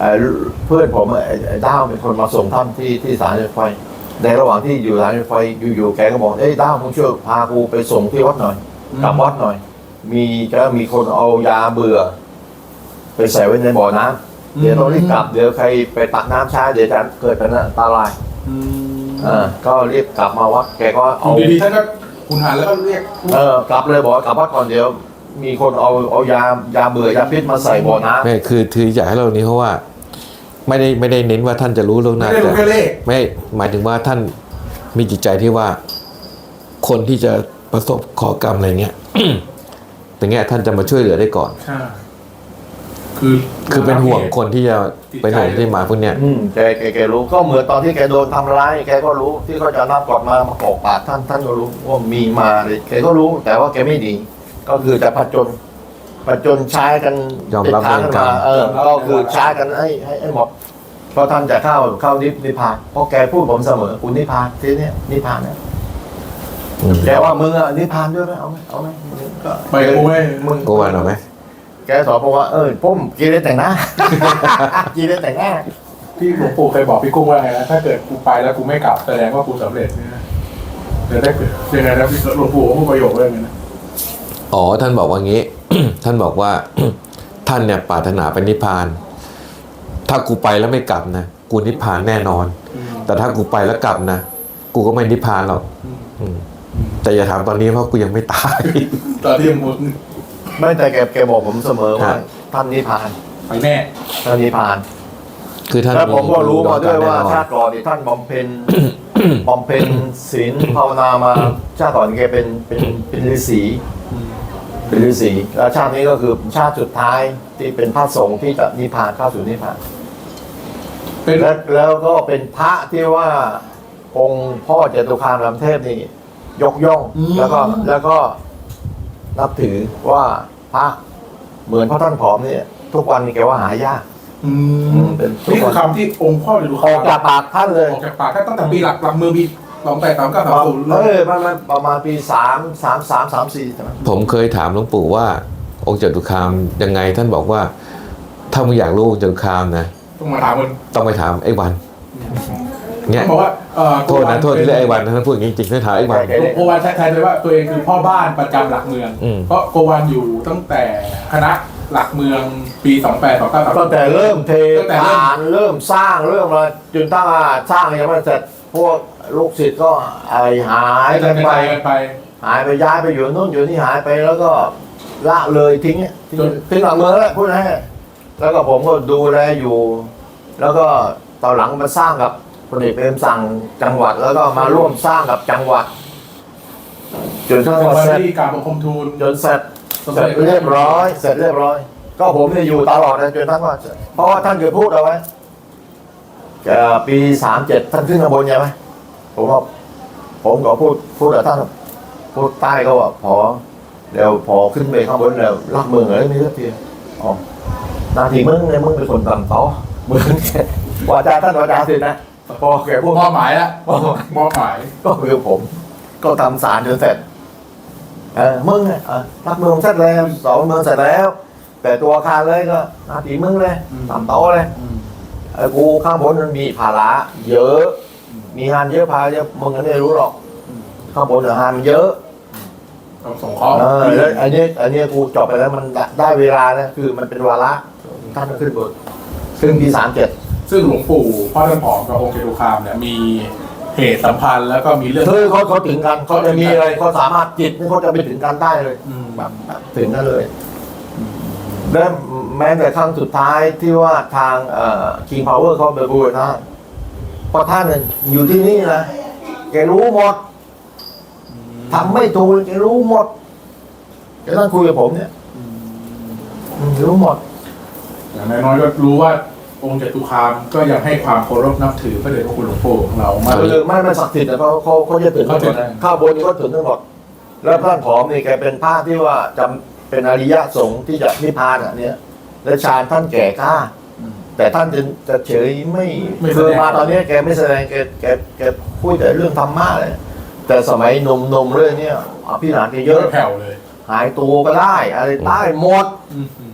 [SPEAKER 1] เอ่อเพื่อนผมไอ้ไอ้ด้าวเป็นคนมาส่งท่านที่ที่สถานีรถไฟในระหว่างที่อยู่สถานีรถไฟอยู่ๆแกก็บอกเอ้ยด้าวมึงช่วยพากูไปส่งที่วัดหน่อยกลับวัดหน่อย มีก็มีคนเอายาเบื่อ ไปใส่ไว้ในบ่อน้ำเดี๋ยวต้องรีบกลับเดี๋ยวใครไปตักน้ำช้าเดี๋ยวจะเกิดเป็นอันตราย
[SPEAKER 2] อืม
[SPEAKER 1] อ่าก็รีบกลับมาวัดแกก็
[SPEAKER 2] อ
[SPEAKER 1] เอา
[SPEAKER 2] ยู่ดีๆท่านก็คุณหันแล้วก็เรียก
[SPEAKER 1] เออกลับเลยบอกว่ากลับวัดก่อนเดี๋ยว มีคนเอาเอายายาเบื่อยาพิษมาใส่บ่อน้ำ
[SPEAKER 3] ไม่คือคืออยากให้เรานี้เพราะว่า ไม่ได้ไม่ได้เน้นว่าท่านจะรู้เรื่องห
[SPEAKER 2] ไม่
[SPEAKER 3] น้า
[SPEAKER 2] ได้รู้
[SPEAKER 3] แต่
[SPEAKER 2] แค่เลข
[SPEAKER 3] ไม่หมายถึงว่าท่านมีจิตใจที่ว่า คนที่จะประสบขอกรรมอะไรเงี้ย อย่างเงี้ยท่านจะมาช่วยเหลือได้ก่อน
[SPEAKER 2] ใช่คือ
[SPEAKER 3] คือเป็นห่วงคนที่จะเป็นห่วงที่มาพวกเนี้ย
[SPEAKER 1] อืมแกแกแกรู้ก็เหมือนตอนที่แกโดนทำร้ายแกก็รู้ที่เขาจะรับกอดมามาปอกปากท่านท่านก็รู้ว่ามีมาเลยแกก็รู้แต่ว่าแกไม่ดี ก็คือจะผจญผจญใช้กัน
[SPEAKER 3] ยอมรับ
[SPEAKER 1] เด็ดขาด
[SPEAKER 3] เวรกรรม
[SPEAKER 1] มาเออก็คือใช้กันให้ให้ให้หมดเพราะท่านจะเข้าเข้านิพนิพพานเพราะแกพูดผมเสมอคุณนิพพานทีเนี้ยนิพพานเนี่ย
[SPEAKER 3] อืม
[SPEAKER 1] แกว่ามึงอะนิพพานด้วยไหมเอาไหมเอาไหมก็
[SPEAKER 2] ไปกูไม่
[SPEAKER 1] มึง
[SPEAKER 3] โกวันเอาไหม
[SPEAKER 1] แกสอนผมว่าเออผมกินได้แต่งหน้า กินได้แต่งหน้า
[SPEAKER 2] พี่หลวงปู่เคยบอกพี่กุ้งว่าไงนะถ้าเกิดกูไปแล้วกูไม่กลับแสดงว่ากูสำเร็จเนี่ยนะเดี๋ยวได้เกิดยังไงนะพี่หลวงปู่เขาพูดประโยคเรื่องนี้นะ
[SPEAKER 3] อ๋อท่านบอกว่างี้ ท่านบอกว่า ท่านเนี่ยปรารถนาเป็นนิพพาน ถ้ากูไปแล้วไม่กลับนะกูนิพพานแน่นอน
[SPEAKER 2] อืม
[SPEAKER 3] แต่ถ้ากูไปแล้วกลับนะกูก็ไม่นิพพานหรอก
[SPEAKER 2] อืม
[SPEAKER 3] อืมแต่อย่าถามตอนนี้เพราะกูยังไม่ตาย
[SPEAKER 2] ตอนที่มึง
[SPEAKER 1] ไม่แต่แกแกบอกผมเสมอว่า
[SPEAKER 3] ครับ
[SPEAKER 1] ท่านนิพพาน
[SPEAKER 2] ไปแน่
[SPEAKER 1] ท่านนิพพาน
[SPEAKER 3] คือท่าน
[SPEAKER 1] แล้วผมก็รู้มาด้วยว่า
[SPEAKER 3] แน่นอน
[SPEAKER 1] ชาติก่อนนี่ท่านบำเพ็ญ บำเพ็ญศีลภาวนามาชาติก่อนแกเป็นเป็นเป็นฤาษีเป็นฤาษีแล้วชาตินี้ก็คือชาติสุดท้ายที่เป็นพระสงฆ์ที่จะนิพพานเข้าสู่นิพพาน
[SPEAKER 2] เป็น
[SPEAKER 1] แล้วแล้วก็เป็นพระที่ว่าองค์พ่อจตุคามรามเทพนี่ยกย่องแล้วก็แล้วก็นับถือว่าพระเหมือนพระท่านผอมเนี่ยทุกวันนี้แกว่าหายาก
[SPEAKER 2] อื
[SPEAKER 1] อื
[SPEAKER 2] ม
[SPEAKER 1] มเป็น
[SPEAKER 2] นี่คือคำที่องค์พ่อจะดู
[SPEAKER 1] ออกจากปากท่านเลย
[SPEAKER 2] ออกจากปากตั้งแต่ปีหลักหลักมือปีสองแปดสามเก้าสามศูนย์
[SPEAKER 1] เออประมาณประมาณปีสามสามสามสามสี่ใช่ไหม
[SPEAKER 3] ผมเคยถามหลวงปู่ว่า องค์จตุคามยังไงท่านบอกว่า ถ้ามึงอยากรู้องค์จตุคามนะ
[SPEAKER 2] ต้องมาถามมัน
[SPEAKER 3] ต้องไปถามไอ้วันเนี้ย
[SPEAKER 2] ต้องบอกว่าเอ่อ
[SPEAKER 3] โทษนะโทษที่เรียกไอ้วันนะท่านพูดอย่างนี้จริงๆท่านถามไอ้วัน
[SPEAKER 2] โกวันใช้เลยว่าตัวเองคือพ่อบ้านประจำหลักเมือง
[SPEAKER 3] อืม
[SPEAKER 2] เพราะโกวันอยู่ตั้งแต่คณะหลักเมืองปีสองแปดสองเก้าสาม
[SPEAKER 1] ตั้งแต่เริ่มเท
[SPEAKER 2] ตั้งแต่เริ่ม
[SPEAKER 1] ฐานเริ่มสร้างเริ่มมาจนตั้งสร้างยังไม่เสร็จพวกลูกศิษย์ก็ไอหายกันไป
[SPEAKER 2] กันไป
[SPEAKER 1] หายไปย้ายไปอยู่นู่นอยู่นี่หายไปแล้วก็ละเลยทิ้งเนี่ยทิ้ง
[SPEAKER 2] จน
[SPEAKER 1] ทิ้งหลังเมืองแล้วพูดให้แล้วก็ผมก็ดูแลอยู่ แล้วก็ตอนหลังมาสร้างกับพลเอกเปรมสั่งจังหวัด แล้วก็มาร่วมสร้างกับจังหวัดจนทั้งหมด
[SPEAKER 2] วัน
[SPEAKER 1] เสร็จ
[SPEAKER 2] ที่การบังคมทูล
[SPEAKER 1] จนเสร็จเสร็จเรียบร้อย เสร็จเรียบร้อย ก็ผมเนี่ยอยู่ตลอดนะจนท่านว่าเพราะว่าท่านเคยพูดเอาไว้เอ่อปีสามเจ็ดท่านขึ้นข้างบนใช่ไหมผมก็ผมก็พูดพูดกับท่านพูดใต้ก็ว่าพอเดี๋ยวพอขึ้นไปข้างบนแล้วรักเมืองเลยไม่เลือกทีอ๋อหนาทีมึงเนี่ยมึงเป็นคนต่ำต้อมึงว่าจาท่านว่าจาสินะพอแกพูด
[SPEAKER 2] มอบหมายละมอบหมาย
[SPEAKER 1] ก็คือผม ก็ทำสารจนเสร็จ เออมึงเนี่ยเออรักเมืองเสร็จแล้วสองเมืองเสร็จแล้ว แต่ตัวอาคารเลยก็หนาทีมึงเลยต่ำโตะเลยไอ้กูข้างบนมันมีภาระเยอะ มีงานเยอะพาเยอะมึงก็ไม่รู้หรอก ข้างบนงานมันเยอะ
[SPEAKER 2] ต้องส่งข้อ
[SPEAKER 1] เออแล้วอันนี้อันนี้กูจบไปแล้วมันได้เวลานะคือมันเป็นวาระท่านก็ขึ้นบนซึ่งปีสามเจ็ด
[SPEAKER 2] ซึ่งหลวงปู่พ่อท่านผอมกับองค์เจตุคามเนี่ยมีเหตุสัมพันธ์แล้วก็มีเรื่อง
[SPEAKER 1] คือเขาเขาถึงกันเขาจะมีอะไรเขาสามารถจิตนี่เขาจะไปถึงกันได้เลย
[SPEAKER 2] อืม
[SPEAKER 1] แบบแบบถึงกันเลยและแม้แต่ครั้งสุดท้ายที่ว่าทางเอ่อ King Power เขาไปบูรณะเพราะท่านเนี่ยอยู่ที่นี่นะแกรู้หมดทำไม่ถูกแกรู้หมดแกนั่งคุยกับผมเนี่ยอืมรู้หมด
[SPEAKER 2] อย่างน้อยๆก็รู้ว่าองค์จตุคามก็ยังให้ความเคารพนับถือพระเดชพระคุณหลวงปู่ของเรามาก
[SPEAKER 1] คือไม่ไม่ศักดิ์สิทธิ์แต่เขาเขาเขาจะถึงทั้งหมดนะข้าวบนก็ถึงทั้งหมดแล้วท่านผอมนี่แกเป็นพระที่ว่าจะเป็นอริยสงฆ์ที่จะนิพพานอ่ะเนี่ยและฌานท่านแก่กล้า แต่ท่านจะจะเฉยไม่คือมาตอนนี้แกไม่แสดงแกแกแกพูดแต่เรื่องธรรมะเลยแต่สมัยหนุ่มๆเรื่องเนี้ยอภิรานแกเย
[SPEAKER 2] เย
[SPEAKER 1] อะ
[SPEAKER 2] อะแผ่วเลย
[SPEAKER 1] หายตัวก็ได้ อะไรได้หมด
[SPEAKER 2] อืมอืม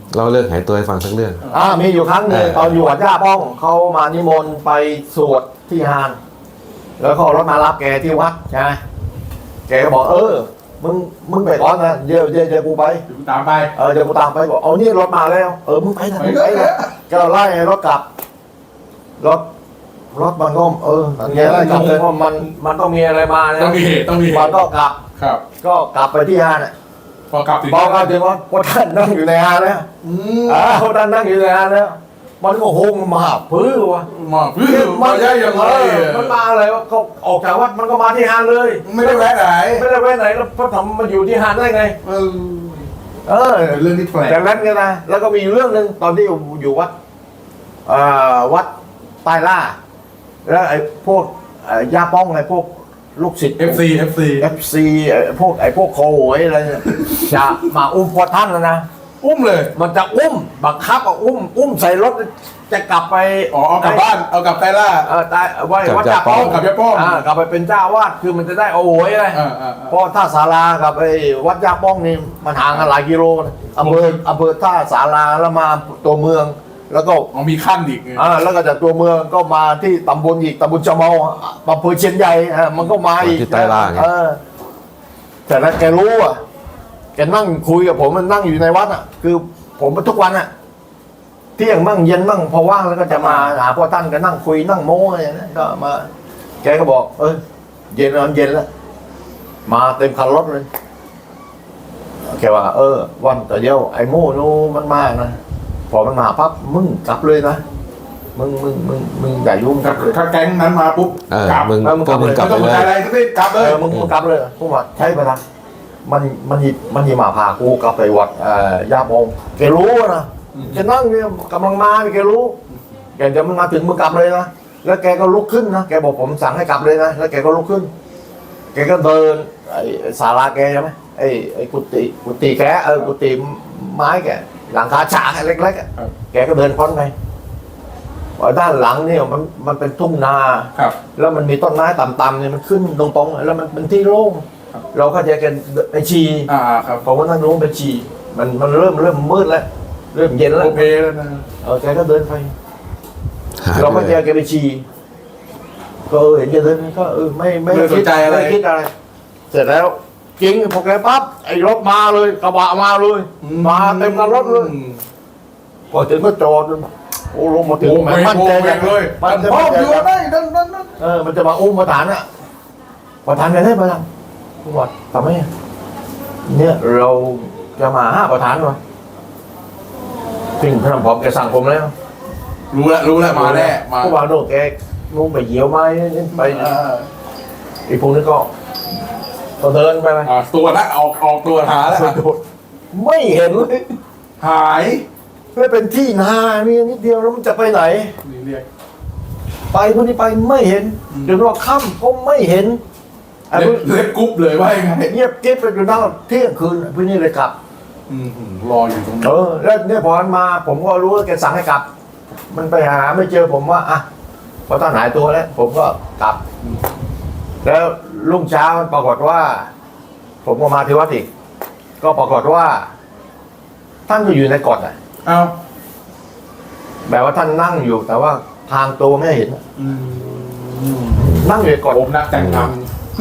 [SPEAKER 3] เล่าเรื่องหายตัวให้ฟังสักเรื่อง
[SPEAKER 1] อ่ามีอยู่ครั้งหนึ่ง
[SPEAKER 3] เออ
[SPEAKER 1] ตอนอยู่วัดย่าป้องเขามานิมนต์ไปสวดที่ฮาน แล้วเขาเอารถมารับแกที่วัดใช่ไหมแกก็บอกเออมึงมึงไปก่อนนะเดี๋ยวเดี๋ยวเดี๋ยวกูไป
[SPEAKER 2] เดี๋ยวกูตามไป
[SPEAKER 1] เออเดี๋ยวกูตามไปบอกเอานี่รถมาแล้ว เออมึงไปนะมึงไปนะก็ไล่รถกลับ รถรถมันก็เออมันไงไล่กลับเลยเพราะมันมันต้องมีอะไรมานะ
[SPEAKER 2] ต้องมีเหตุต้องมีเห
[SPEAKER 1] มัน
[SPEAKER 2] ตุ
[SPEAKER 1] ก็กลับ
[SPEAKER 2] ครับ
[SPEAKER 1] ก็กลับไปที่ฮานอ่ะ
[SPEAKER 2] พอกลับถึง
[SPEAKER 1] บอกกันถึงว่าพวกท่านนั่งอยู่ในฮานแล้ว
[SPEAKER 2] อืม
[SPEAKER 1] อ่าพวกท่านนั่งอยู่ในฮานแล้วมันก็โฮงมาพื้นวะ
[SPEAKER 2] มาเพื่อมาได้ยังไง
[SPEAKER 1] เออมันมาอะไรวะเขาออกจากวัดมันก็มาที่ฮานเลย
[SPEAKER 2] ไม่ได้แวะไหน
[SPEAKER 1] ไม่ได้ไปไหนแล้วพระธรรมมาอยู่ที่ฮานได้ไง
[SPEAKER 2] เออ
[SPEAKER 1] เออ
[SPEAKER 2] เป็นเรื่องที่แปลก
[SPEAKER 1] จากนั้นก็นะแล้วก็มีอยู่เรื่องหนึ่งตอนที่อยู่อยู่วัดเอ่อวัดใต้ล่า แล้วไอ้พวกเอ่อย่าป้องไอ้พวกลูกศิษย์
[SPEAKER 2] เอฟซีเอฟซี
[SPEAKER 1] เอฟซีพวกไอ้พวกโคโหยอะไรเนี่ยจะมาอุ้มพอท่านนะนะ
[SPEAKER 2] อุ้มเลย
[SPEAKER 1] มันจะอุ้มบังคับเอาอุ้ม อุ้มใส่รถจะกลับไป
[SPEAKER 2] อ๋อเอากลับบ้านเอากลับไตล่า
[SPEAKER 1] เออตายไว้
[SPEAKER 3] กลับ
[SPEAKER 1] วัด
[SPEAKER 3] จาก
[SPEAKER 1] จ่าป้อง
[SPEAKER 3] ป้อง
[SPEAKER 2] กลับยาป้อง
[SPEAKER 1] อ่ากลับไปเป็นเจ้าวาดคือมันจะได้เอาโหยอะไร
[SPEAKER 2] อ่าอ่า
[SPEAKER 1] เพราะท่าสารากับไอ้วัดยาป้องนี่มันห่างกันหลายกิโลนะอำเภออำเภอท่าสาราแล้วมาตัวเมือง แล้วก็
[SPEAKER 2] อ๋อมีขั้นอีกไง
[SPEAKER 1] อ่าแล้วก็จากตัวเมืองก็มาที่ตำบลอีกตำบลชะเมาอำเภอเชียนใหญ่อ่ะมันก็มาอีก
[SPEAKER 3] ที่ใต้ล่างไง
[SPEAKER 1] เออแต่นั้นแกรู้อ่ะแกนั่งคุยกับผมมันนั่งอยู่ในวัดอ่ะ คือผมทุกวันอ่ะเที่ยงมั่งเย็นมั่งพอว่างแล้วก็จะมาหาพ่อท่านก็นั่งคุยนั่งโม้อะไรอย่างนั้นก็มา แกก็บอก เออเย็นแล้วเย็นแล้ว มาเต็มคันรถเลยแกว่า เออ วันแต่เดียวไอ้โม่นู้มันมานะพอมันมาปั๊บมึงกลับเลยนะมึงมึงมึงมึงอย่ายุ่งกลับเลย
[SPEAKER 2] ถ้าแก๊งนั้นมาปุ๊บ
[SPEAKER 3] เออก
[SPEAKER 2] ลับ
[SPEAKER 3] มึง
[SPEAKER 1] เออมึง
[SPEAKER 3] พวกมึงกลับ
[SPEAKER 2] ไม่
[SPEAKER 3] ไป
[SPEAKER 2] ต้องสน
[SPEAKER 3] เล
[SPEAKER 2] ใจ
[SPEAKER 3] ย
[SPEAKER 2] อะไรทั้งสิ้นกลับเล
[SPEAKER 1] เอย อมึงมึงกลับเลยผมว่าใช่ปะล่ะมันมันหยิบมันหยิบมาพากูกลับไปวัดเอ่อย่าโมงแกรู้นะแกนั่งเนี่ยกำลังมาแกรู้แกจะมันมาถึงมึงกลับเลยนะแล้วแกก็ลุกขึ้นนะแกบอกผมสั่งให้กลับเลยนะแล้วแกก็ลุกขึ้น แกก็เดินไอ้ศาลาแกใช่ไหมไอ้ไอ้กุฏิกุฏิแกเออกุฏิไม้แกหลังคาฉากเล็กๆอะแกก็เดินพ้นไปว่าด้านหลังเนี่ยมันมันเป็นทุ่งนา
[SPEAKER 2] ครับ
[SPEAKER 1] แล้วมันมีต้นไม้ต่ำๆเนี่ยมันขึ้นตรงๆแล้วมันเป็นที่โล่ง
[SPEAKER 2] ครับ
[SPEAKER 1] เราก็จะกันไปชี
[SPEAKER 2] อ่าครับ
[SPEAKER 1] เพราะว่านั่นรู้เป็นชีมันมันเริ่มเริ่มมืดแล้ว เริ่มเย็นแล้
[SPEAKER 2] โอ
[SPEAKER 1] ว
[SPEAKER 2] เคแล้วนะ
[SPEAKER 1] เออแกก็เดินไป
[SPEAKER 3] หาย
[SPEAKER 1] เรา
[SPEAKER 3] ไป
[SPEAKER 1] ก็
[SPEAKER 3] เล
[SPEAKER 1] เจอย แกไปชีก็เออเห็นแกเดินก็เออไม่ไม่
[SPEAKER 2] ไม่สนใจอะไร
[SPEAKER 1] ไม่คิดอะไร เสร็จแล้วจริงพอแกปั๊บไอ้รถมาเลยกระบะมาเลย มาเต็มกันรถเลย พอถึงก็จอดโอ้ลงมาถึง
[SPEAKER 2] โอ้
[SPEAKER 1] แห
[SPEAKER 2] ไม่
[SPEAKER 1] มั่น
[SPEAKER 2] โอ้
[SPEAKER 1] ใจ
[SPEAKER 2] แม่งเลย
[SPEAKER 1] มั
[SPEAKER 2] มัน น
[SPEAKER 1] จะ
[SPEAKER 2] พ่อ
[SPEAKER 1] มั่นใจ
[SPEAKER 2] อยู่ได้นั่นนั่นนั่น
[SPEAKER 1] เออมันจะมาอุ้มประธานอ่ะประธานไปได้ประธานผมว่าทำไมอะเนี่ยเราจะมาห้าประธานวะสิ่งพระพร้อมแกสั่งผมแล้ว
[SPEAKER 2] รู้แล้วรู้แล้วมาแน่มา
[SPEAKER 1] พวกว่าโน่นแกนู่นไปเหยียวไม้ไป
[SPEAKER 2] อ่า
[SPEAKER 1] ไอ้พวกนี้ก็ก็เดินไปไหม
[SPEAKER 2] อ่าตัวละออกออกตัวหาแล้ว
[SPEAKER 1] ไม่เห็นเลย
[SPEAKER 2] หาย
[SPEAKER 1] ไม่เป็นที่นามีนิดเดียวแล้วมันจะไปไหน
[SPEAKER 2] นี่เรียก
[SPEAKER 1] ไปพวกนี้ไปไม่เห็น
[SPEAKER 2] อืม
[SPEAKER 1] เดี๋ยวว่าค่ำก็ไม่เห็นไอ้
[SPEAKER 2] เรี
[SPEAKER 1] พ
[SPEAKER 2] ยว
[SPEAKER 1] ก
[SPEAKER 2] กเรียกกรุ๊ปเลยว่ายังไง
[SPEAKER 1] เงียบเก็บไปจนนั่งเที่ยงคืนไอ้พวกนี้เลยกลับ
[SPEAKER 2] อืมรออยู่ตรง
[SPEAKER 1] เอ
[SPEAKER 2] นี้
[SPEAKER 1] อแล้วเนี่ยพอมันมา ผมก็รู้ว่าแกสั่งให้กลับ มันไปหาไม่เจอผมว่าอ่ะพอท่านหายตัวแล้ว ผมก็กลับ แล้วรุ่งเช้าปรากฏว่า ผมก็มาที่วัดอีกก็ปรากฏว่า ท่านก็อยู่ในกฎอ่ะ
[SPEAKER 2] เอ้า
[SPEAKER 1] แบบว่าท่านนั่งอยู่ แต่ว่าทางตัวไม่เห็นอะ
[SPEAKER 2] อืม
[SPEAKER 1] นั่งอยู่ในกฎ
[SPEAKER 2] ผมนักแต่งทำ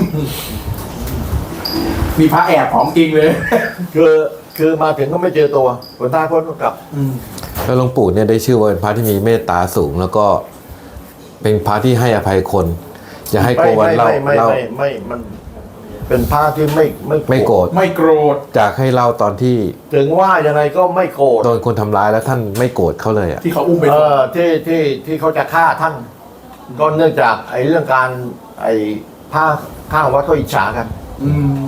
[SPEAKER 2] มีพระแอบของจริงเลย
[SPEAKER 1] คือคือมาถึงก็ไม่เจอตัวผลท้ายพ้นก็กลับ
[SPEAKER 2] อืม
[SPEAKER 3] แล้วหลวงปู่เนี่ยได้ชื่อว่าเป็นพระที่มีเมตตาสูง แล้วก็เป็นพระที่ให้อภัยคน อย่าให้โก
[SPEAKER 1] ไม่
[SPEAKER 3] วัน
[SPEAKER 1] ไม่
[SPEAKER 3] เล่า
[SPEAKER 1] ไม่ไม่
[SPEAKER 3] เล่า
[SPEAKER 1] ไม่ไม่มันเป็นพระที่ไม่ไม่
[SPEAKER 3] ไม่โกรธ
[SPEAKER 2] ไม่โกรธ
[SPEAKER 3] จากให้เล่าตอนที่
[SPEAKER 1] ถึงว่ายังไงก็ไม่โกรธ
[SPEAKER 3] โดนคนทำร้ายแล้วท่านไม่โกรธเขาเลยอ่ะ
[SPEAKER 2] ที่เขาอุ้มไป
[SPEAKER 1] เออที่ที่ที่เขาจะฆ่าท่าน ก็เนื่องจากไอ้เรื่องการไอ้ผ้าข้างวัดเขาอิจฉากัน
[SPEAKER 2] อืม